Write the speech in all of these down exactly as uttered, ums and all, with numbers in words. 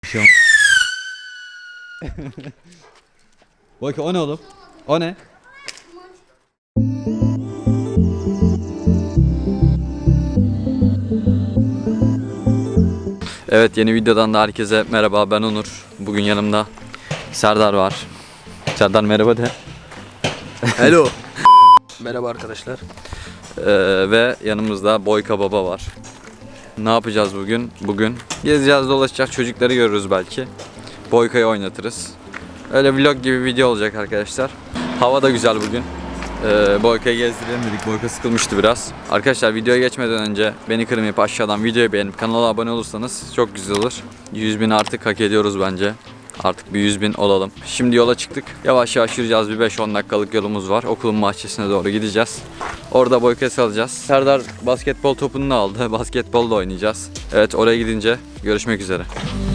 Şu Bak o ne oğlum? O ne? Evet, yeni videodan da herkese merhaba, ben Onur. Bugün yanımda Serdar var. Serdar merhaba de. Hello. Merhaba arkadaşlar. Ee, ve yanımızda Boyka Baba var. Ne yapacağız bugün? Bugün gezeceğiz, dolaşacak, çocukları görürüz belki. Boyka'yı oynatırız. Öyle vlog gibi video olacak arkadaşlar. Hava da güzel bugün. Ee, Boyka'yı gezdirelim dedik. Boyka sıkılmıştı biraz. Arkadaşlar videoya geçmeden önce beni kırmayıp aşağıdan videoyu beğenip kanala abone olursanız çok güzel olur. yüz bin artık hak ediyoruz bence. Artık bir yüz bin olalım. Şimdi yola çıktık. Yavaş yavaş yürüyeceğiz. Bir beş on dakikalık yolumuz var. Okulun bahçesine doğru gideceğiz. Orada Boyka'yı salacağız. Serdar basketbol topunu da aldı. Basketbol da oynayacağız. Evet, oraya gidince görüşmek üzere.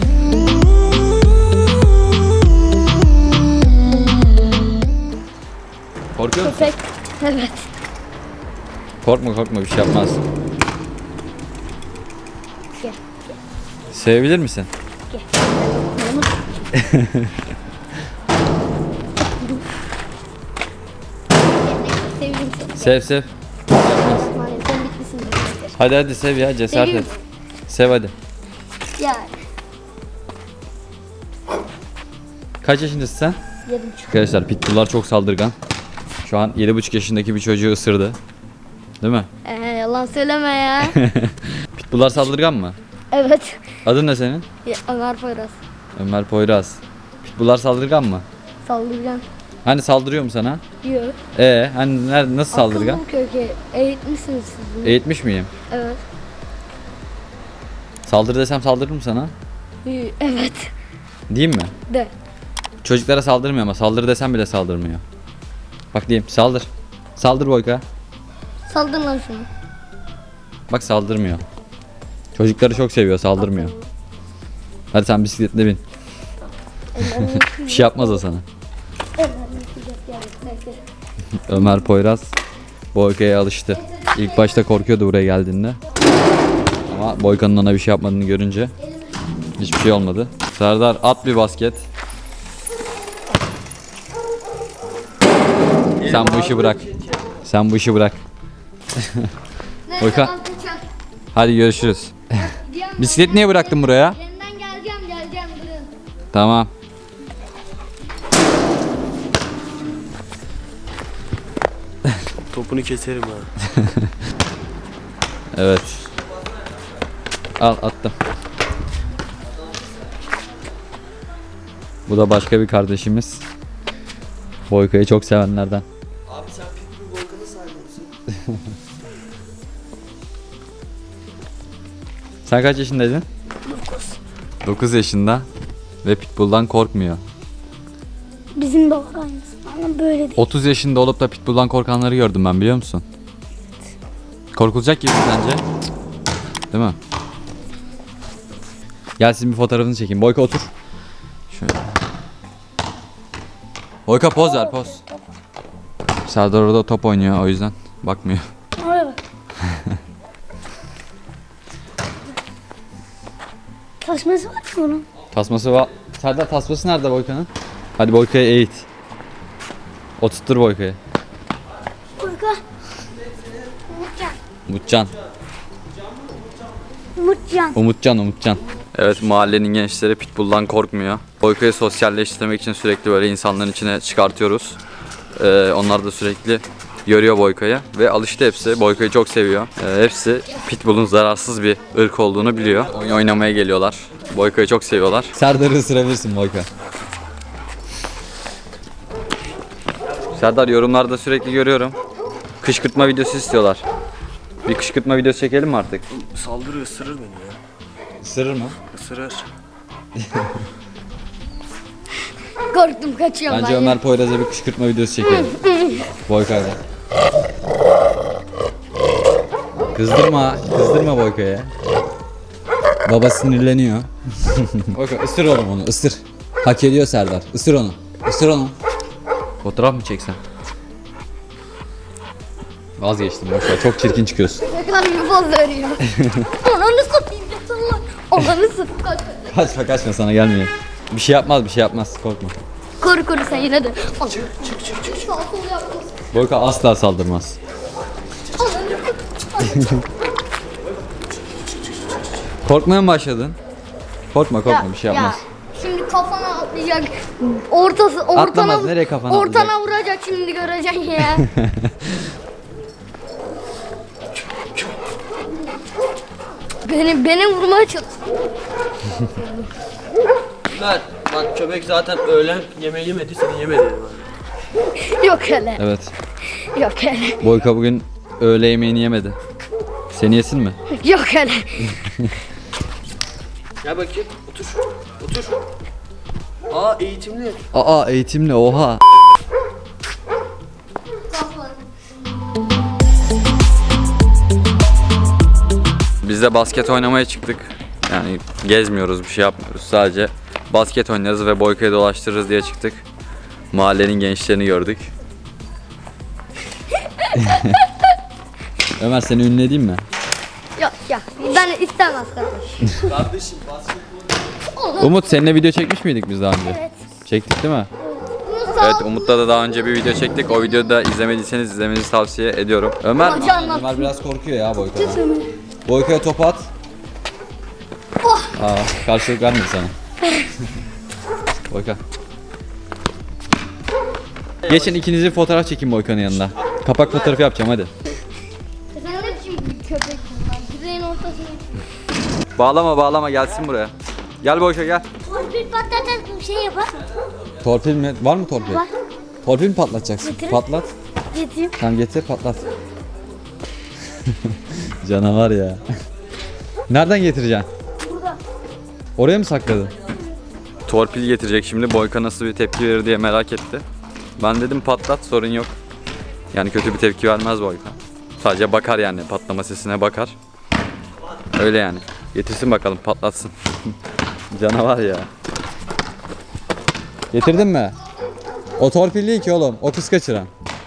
Korkuyor musun? Köpek. Evet. Korkma korkma, bir şey yapmaz. Gel. Sevebilir misin? Gel. Sevdim seni. Sev sev. Maalesef sen bitmişsin. Hadi hadi sev ya, cesaret et. Sev hadi. Ya. Kaç yaşındasın sen? Yedi buçuk. Arkadaşlar pitbulllar çok saldırgan. Şu an yedi buçuk yaşındaki bir çocuğu ısırdı. Değil mi? Ee, yalan söyleme ya. Pitbulllar saldırgan mı? Evet. Adın ne senin? Ya, Ömer Poyraz. Ömer Poyraz. Pitbulllar saldırgan mı? Saldırgan. Hani saldırıyor mu sana? Yok. Ee, hani nerede, nasıl saldırgan? Akıllı köke. Eğitmişsiniz siz bunu. Eğitmiş miyim? Evet. Saldır desem saldırır mı sana? Yo, evet. Diyeyim mi? De. Çocuklara saldırmıyor ama saldır desem bile saldırmıyor. Bak diyeyim, saldır. Saldır Boyka. Saldır lan şunu. Bak saldırmıyor. Çocukları çok seviyor, saldırmıyor. Hadi sen bisikletle bin. Bir şey yapmaz o sana. Ömer Poyraz Boyka'ya alıştı. İlk başta korkuyordu buraya geldiğinde. Ama Boyka'nın ona bir şey yapmadığını görünce hiçbir şey olmadı. Serdar at bir basket. Sen bu işi bırak. Sen bu işi bırak. Boyka. Hadi görüşürüz. Bisiklet niye bıraktın buraya? Yeniden geleceğim geleceğim durun. Tamam. Topunu keserim ha. Evet. Al attım. Bu da başka bir kardeşimiz. Boyka'yı çok sevenlerden. Abi sen Pitbull Volkan'ın sahibi misin? Sen kaç yaşındaydın? dokuz. dokuz yaşında ve Pitbull'dan korkmuyor. Bizim de var aynısı. Ama böyle değil. otuz yaşında olup da Pitbull'dan korkanları gördüm ben, biliyor musun? Korkulacak gibi mi sence? Değil mi? Gel sizin bir fotoğrafını çekeyim. Boyka otur. Şöyle. Boyka poz ver, poz. Serdar orada top oynuyor, o yüzden bakmıyor. Oraya bak. Taşması var mı onun? Tasması var. Serdar tasması nerede Boyka'nın? Hadi Boyka'yı eğit. Oturttur Boyka'yı. Kurka. Umutcan. Umutcan. Umutcan. Umutcan, Umutcan. Evet, mahallenin gençleri Pitbull'dan korkmuyor. Boyka'yı sosyalleştirmek için sürekli böyle insanların içine çıkartıyoruz. Ee, onlar da sürekli görüyor Boyka'yı ve alıştı hepsi. Boyka'yı çok seviyor. Ee, hepsi Pitbull'un zararsız bir ırk olduğunu biliyor. Oyun oynamaya geliyorlar. Boyka'yı çok seviyorlar. Serdar'ı ısırabilirsin Boyka. Serdar, yorumlarda sürekli görüyorum. Kışkırtma videosu istiyorlar. Bir kışkırtma videosu çekelim mi artık? Saldırı ısırır beni ya. Isırır mı? Isırır. Korktum kaçıyorum Bence ben. Ömer Poyraz'a bir kışkırtma videosu çekelim. Boyka'yla. Kızdırma, kızdırma Boyka'ya. Baba sinirleniyor. Boyka ısır oğlum onu, ısır. Hak ediyor Serdar. Isır onu. Isır onu. Fotoğraf mı çeksen? Vazgeçtim boşver. Çok çirkin çıkıyorsun. Ne kadar bir poz veriyor. Ananı satayım. Ananı satayım. Kaç. Kaçma kaçma, sana gelmiyor. Bir şey yapmaz, bir şey yapmaz, korkma. Koru koru sen yine de. Al. Boyka asla saldırmaz. Korkmaya mı başladın? Korkma korkma, bir şey yapmaz. Ya, şimdi kafana atlayacak. Ortası ortana Atlamaz, nereye kafana ortana atlayacak? vuracak şimdi, göreceksin ya. beni beni vurmaya çalış. Ömer bak köpek zaten öğlen yemeği yemedi, seni yemedi. Yok hele. Evet. Yok hele. Boyka bugün öğle yemeğini yemedi. Seni yesin mi? Yok hele. Gel bakayım, otur. Otur. Aa eğitimli. Aa eğitimli, oha. Biz de basket oynamaya çıktık. Yani gezmiyoruz, bir şey yapmıyoruz. Sadece basket oynarız ve Boyka'yı dolaştırırız diye çıktık. Mahallenin gençlerini gördük. Ömer, seni ünledeyim mi? Yok yok. Ben istemez kardeş. Kardeşim basketbol. Umut, seninle video çekmiş miydik biz daha önce? Evet. Çektik değil mi? Bunu sağ Evet, Umut'la da daha önce bir video çektik. O videoyu da izlemediyseniz izlemenizi tavsiye ediyorum. Ömer, Hacı anlat. Ömer biraz korkuyor ya Boyka'dan. Boyka'ya top at. Oh. Aa, karşılık vermedi sana. Boyka. Geçin ikinizi fotoğraf çekin Boyka'nın yanında. Kapak fotoğrafı yapacağım, hadi. Sen ne biçim bir köpek lan? Direğin ortasına. Bağlama bağlama, gelsin buraya. Gel Boyka, gel. Torpil patlatan bir şey yapar. Torpil mi? Var mı torpil? Var. Torpil mi patlatacaksın? Getir. Patlat. Getireyim. Tamam, getir patlat. Canavar ya. Nereden getireceksin? Burada. Oraya mı sakladın? Torpil getirecek şimdi. Boyka nasıl bir tepki verir diye merak etti. Ben dedim patlat, sorun yok. Yani kötü bir tepki vermez Boyka. Sadece bakar yani, patlama sesine bakar. Öyle yani. Getirsin bakalım, patlatsın. Canavar ya. Getirdin mi? O torpil değil ki oğlum. O kız kaçıran.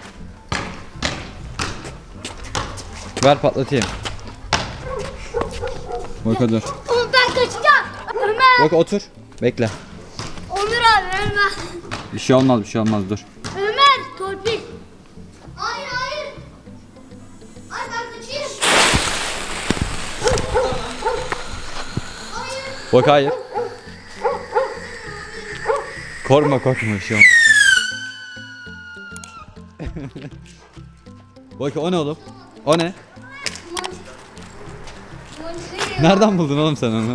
Ver patlatayım. Boyka dur. Oğlum ben kaçacağım. Ömer. Boyka otur. Bekle. Onur abi Ömer. Bir şey olmaz, bir şey olmaz, dur. Ömer torpil. Hayır hayır. Ay ben kaçayım. Boyka hayır. Korkma korkma, bir şey olmaz. Boyka, o ne oğlum? O ne? Nereden buldun oğlum sen onu? Ben aldım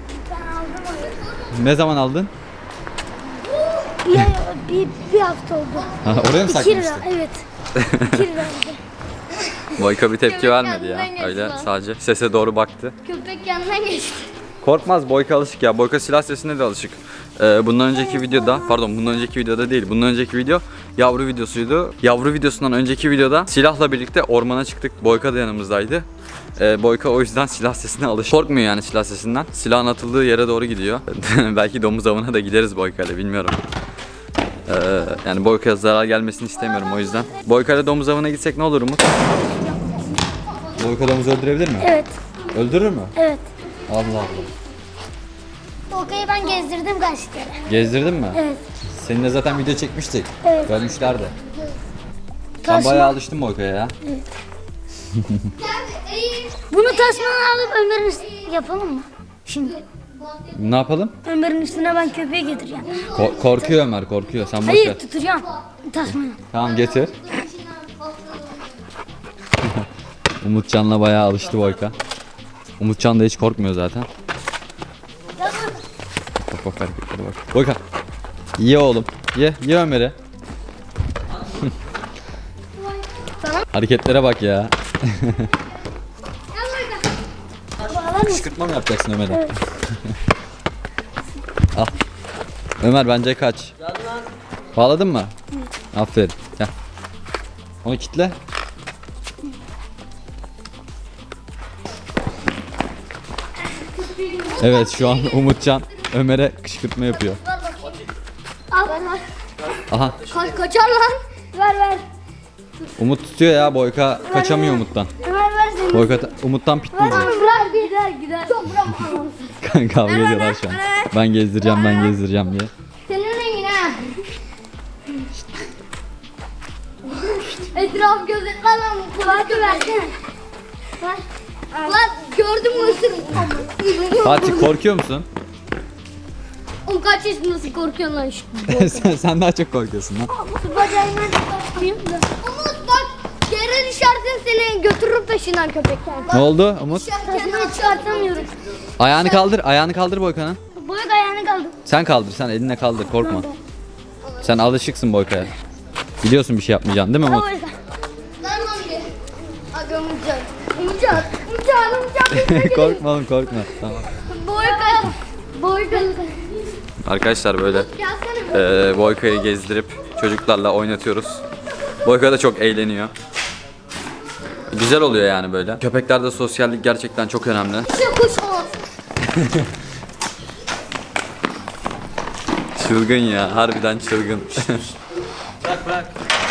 onu. Ne zaman aldın? Bir, bir, bir hafta oldu. Ha, oraya mı İki saklamıştın? lira evet. İki lira oldu. Boyka bir tepki Köpek vermedi ya. kendinden Öyle geçti. sadece sese doğru baktı. Köpek yanından geçti. Korkmaz, Boyka alışık ya. Boyka silah sesine de alışık. Ee, bundan önceki videoda, pardon bundan önceki videoda değil. Bundan önceki video yavru videosuydu. Yavru videosundan önceki videoda silahla birlikte ormana çıktık. Boyka da yanımızdaydı. Ee, Boyka o yüzden silah sesine alışık. Korkmuyor yani silah sesinden. Silahın atıldığı yere doğru gidiyor. Belki domuz avına da gideriz Boyka ile, bilmiyorum. Ee, yani Boyka'ya zarar gelmesini istemiyorum o yüzden. Boyka ile domuz avına gitsek ne olur Umut? Boyka domuz öldürebilir mi? Evet. Öldürür mü? Evet. Allah Allah. Tolga'yı ben gezdirdim kaç kere. Gezdirdin mi? Evet. Seninle zaten video çekmiştik. Evet. Görmüşlerdi. Sen Taşma. bayağı alıştın Boyka'ya ya. Bunu tasmanı alıp Ömer'in üstüne yapalım mı? Şimdi Ne yapalım? Ömer'in üstüne ben köpeği getireceğim. Ko- korkuyor Ömer, korkuyor. Sen boş Hayır ver. tutacağım tasmanı. Tamam, getir. Umutcan'la bayağı alıştı Boyka. Umutcan da hiç korkmuyor zaten. Bak bak hareketlere bak. Boyka. Ye oğlum. Ye. Ye Ömer'i. Hareketlere bak ya. Kışkırtma mı yapacaksın Ömer'e? Evet. Al. Ömer bence kaç. Bağladın mı? Aferin. Gel. Onu kitle. Evet, şu an Umutcan Ömer'e kışkırtma yapıyor. Al ver ver. Aha. Ka- kaçar lan. Ver ver. Umut tutuyor ya, Boyka kaçamıyor Umut'tan. Ömer ver seni. Boyka ta- Umut'tan pitbull. Ver bırak gider gider. Çok bırak. Kavga ediyorlar şu an. Ben gezdireceğim, ben gezdireceğim diye. Senin rengin ha. Etraf gözetler lan. Kulakı versene. Lan gördün mü ısırım. Fatih korkuyor musun? Oğlum kaç yaşındasın korkuyorsun lan şu. sen, sen daha çok korkuyorsun lan. Bacağımdan çıkartayım da. Umut bak yere düşersin seni götürür peşinden köpekler. Ne oldu Umut? Taşımayı çıkartamıyorum. Ayağını kaldır, ayağını kaldır Boyka'nın. Boyuk ayağını kaldı. Sen kaldır, sen elinle kaldır, korkma. Sen alışıksın Boyka'ya. Biliyorsun bir şey yapmayacaksın değil mi Umut? Lan lan gel. Hadi Umutcan. Umutcan. Umutcan. Umutcan. Korkma oğlum, korkma. Tamam. Boyuk ayağı. Boyuk ayağı. Arkadaşlar böyle Gelsene. e, Boyka'yı gezdirip çocuklarla oynatıyoruz. Boyka da çok eğleniyor. Güzel oluyor yani böyle. Köpeklerde sosyallik gerçekten çok önemli. Şu kuş olsun. Çılgın ya, harbiden çılgın. Bırak bırak.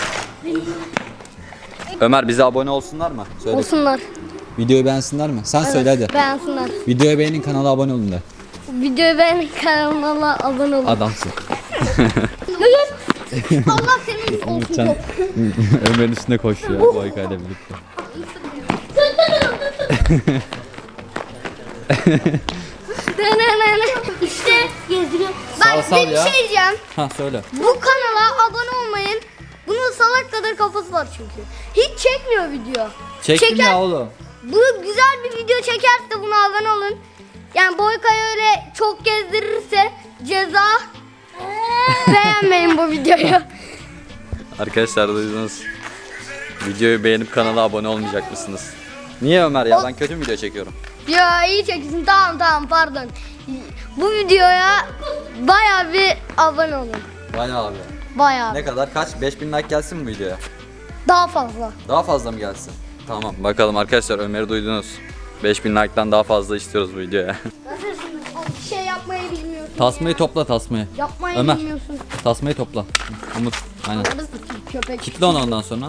Ömer bize abone olsunlar mı? Söyle. Olsunlar. Videoyu beğensinler mi? Sen söyle hadi. Beğensinler. Videoya beğenin, kanala abone olun de. Videoyu beğenin, kanalıma abone olun. Adamsın. Allah senin olsun. Umutcan Ömer'in üstüne koşuyor Boyka ile birlikte. İşte gezdiriyor. Sal, Ben sal size bir ya. şey diyeceğim. Ha söyle. Bu kanala abone olmayın. Bunun salak kadar kafası var çünkü. Hiç çekmiyor video. Çektim Çeker- ya oğlum. Bu güzel bir video çekerse buna abone olun. Yani Boyka'yı öyle çok gezdirirse ceza. Beğenmeyin bu videoyu. Arkadaşlar duydunuz. Videoyu beğenip kanala abone olmayacak mısınız? Niye Ömer ya? Ben kötü mü video çekiyorum? Ya iyi çeksin. Tamam tamam pardon. Bu videoya bayağı bir abone olun. Bayağı abi. Bayağı. Ne kadar? Kaç? beş bin like gelsin mi bu videoya? Daha fazla. Daha fazla mı gelsin? Tamam bakalım arkadaşlar, Ömer'i duydunuz. beş bin like'tan daha fazla istiyoruz bu videoya. Nasılsınız? Bir şey yapmayı bilmiyorsun. Tasmayı topla, tasmayı. Yapmayı Ömer. bilmiyorsun. Tasmayı topla. Umut. Aynen. Köpek. Kitle onu ondan sonra.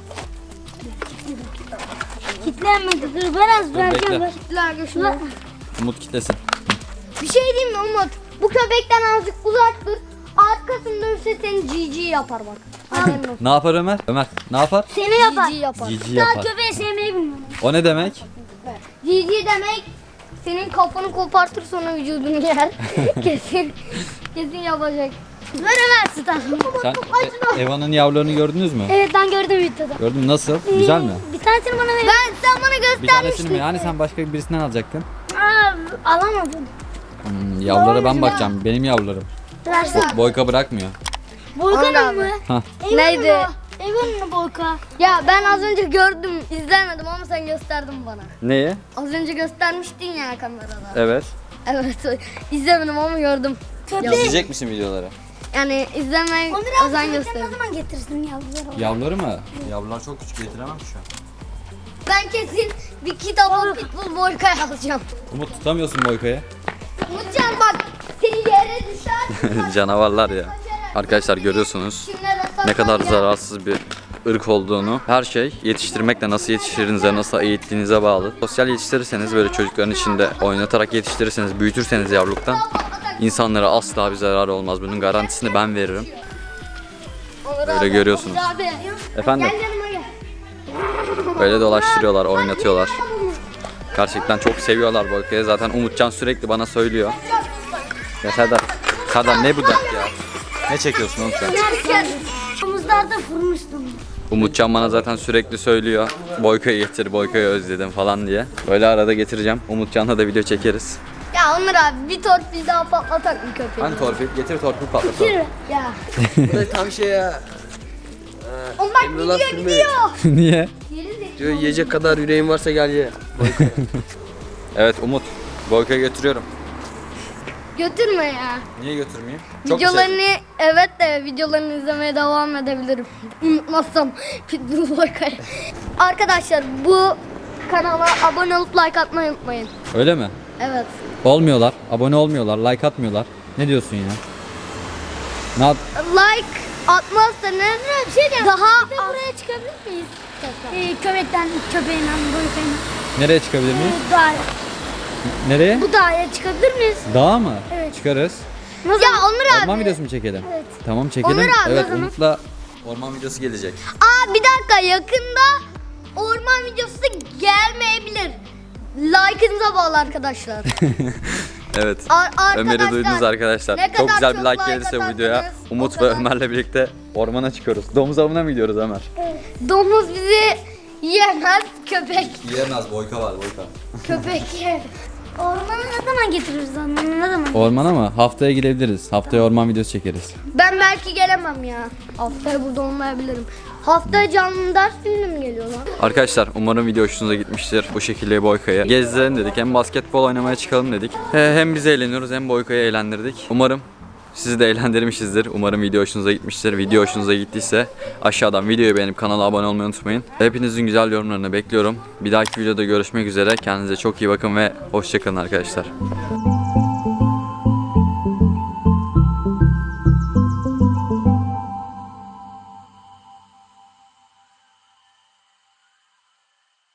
Kitlenmedi. Dur ben az vereceğim, bekle. Kitler şunu. Umut kitlesin. Bir şey diyeyim mi Umut? Bu köpekten azıcık uzak dur. Arkasını dönse seni cici yapar bak. Haberin olsun. Ne yapar Ömer? Ömer ne yapar? Seni yapar. Cici yapar. Cici yapar. köpeği sevmeyi bilmiyorum. O ne demek? Cici demek senin kafanı kopartır sonra vücudunu yer. kesin. Kesin yapacak. Ver Ömer stan. Sen e, Eva'nın yavrularını gördünüz mü? Evet ben gördüm videoda. Gördün mü? Nasıl? Güzel mi? Bir tanesini bana ver. Ben sen bana Bir tanesini göstermiştin. mi? Hani sen başka birisinden alacaktın? Aa, alamadım. Hmm, yavrulara ben bakacağım. Benim yavrularım. Versene. Boyka bırakmıyor. Volkan'ın mı? Hah. Neydi? Evan'ın Volkan. Ya ben az önce gördüm, izlemedim ama sen gösterdin bana. Neyi? Az önce göstermiştin ya kamerada. Evet. Evet, izlemedim ama gördüm. İzleyecek misin videoları? Yani izlemeye özen gösterdim. Ne zaman getirsin yavruları? Yavruları mı? Yavrular çok küçük, getiremem şu an. Ben kesin bir kitapla Pitbull Boyka'yı alacağım. Umut tutamıyorsun Boyka'yı. Umutcan bak, seni yere düşer. Canavarlar ya. Arkadaşlar görüyorsunuz ne kadar zararsız bir ırk olduğunu. Her şey yetiştirmekle, nasıl yetiştirdiğinize, nasıl eğittiğinize bağlı. Sosyal yetiştirirseniz, böyle çocukların içinde oynatarak yetiştirirseniz, büyütürseniz yavruluktan insanlara asla bir zararı olmaz. Bunun garantisini ben veririm. Böyle görüyorsunuz. Abi, Efendim, gel yanıma gel. böyle dolaştırıyorlar, oynatıyorlar. Gerçekten çok seviyorlar Boyka'yı. Zaten Umutcan sürekli bana söylüyor. Ya Serdar, Serdar ne bu dert ya? Ne çekiyorsun Umutcan? Gel. Omuzlarda vurmuştum. Umutcan bana zaten sürekli söylüyor. Boyka'yı getir, Boyka'yı özledim falan diye. Böyle arada getireceğim. Umutcan'la da video çekeriz. Ya Onur abi bir torpil daha patlatak mı köpeği? Hani torpil? Getir torpil patlatalım. Ya. Bu da tam şey ya. Oğlum bak Emrullah gidiyor filmi. gidiyor. Niye? Diyor yiyecek kadar yüreğin varsa gel ye. Evet Umut, Boyka'yı götürüyorum. Götürme ya. Niye götürmeyeyim? Çok mu Videolarını evet de videolarını izlemeye devam edebilirim. Unutmazsam Pitbull Boyka'yı. Arkadaşlar bu kanala abone olup like atmayı unutmayın. sevdin? Öyle mi? Evet. Olmuyorlar, abone olmuyorlar, like atmıyorlar. Ne diyorsun ya? Ne yap? Like atmazsanız bir şey daha Bir de buraya çıkabilir miyiz? Ee, köpekten, köpeğinden, boyutayla. Nereye çıkabilir miyiz? Daha Nereye? Bu dağa çıkabilir miyiz? Dağa mı? Evet. Çıkarız. Ya Onur Orman abi. videosu mu çekelim? Evet. Tamam çekelim. Onur abi o evet zaman. Umut'la orman videosu gelecek. Aa bir dakika, yakında orman videosu gelmeyebilir. Like'ınıza bağlı arkadaşlar. Evet. Ar- arkadaşlar, Ömer'i duydunuz arkadaşlar. ne Çok kadar güzel bir çok like like gelirse bu atarsanız videoya o Umut ve kadar- Ömer'le birlikte ormana çıkıyoruz. Domuz avına mı gidiyoruz Ömer? Domuz bizi yemez, köpek. Yiyemez, boyka var boyka. Köpek yer. Ormana ne zaman getiririz onu? Ne zaman? Ormana mı? Haftaya gidebiliriz. Haftaya orman videosu çekeriz. Ben belki gelemem ya. Haftaya burada olmayabilirim. Haftaya canlı ders günü mü geliyor lan? Arkadaşlar umarım video hoşunuza gitmiştir. Bu şekilde Boyka'yı gezdirelim dedik. Hem basketbol oynamaya çıkalım dedik. He- Hem biz eğleniyoruz hem Boyka'yı eğlendirdik. Umarım sizi de eğlendirmişizdir. Umarım video hoşunuza gitmiştir. Video hoşunuza gittiyse aşağıdan videoyu beğenip kanala abone olmayı unutmayın. Hepinizin güzel yorumlarını bekliyorum. Bir dahaki videoda görüşmek üzere. Kendinize çok iyi bakın ve hoşçakalın arkadaşlar.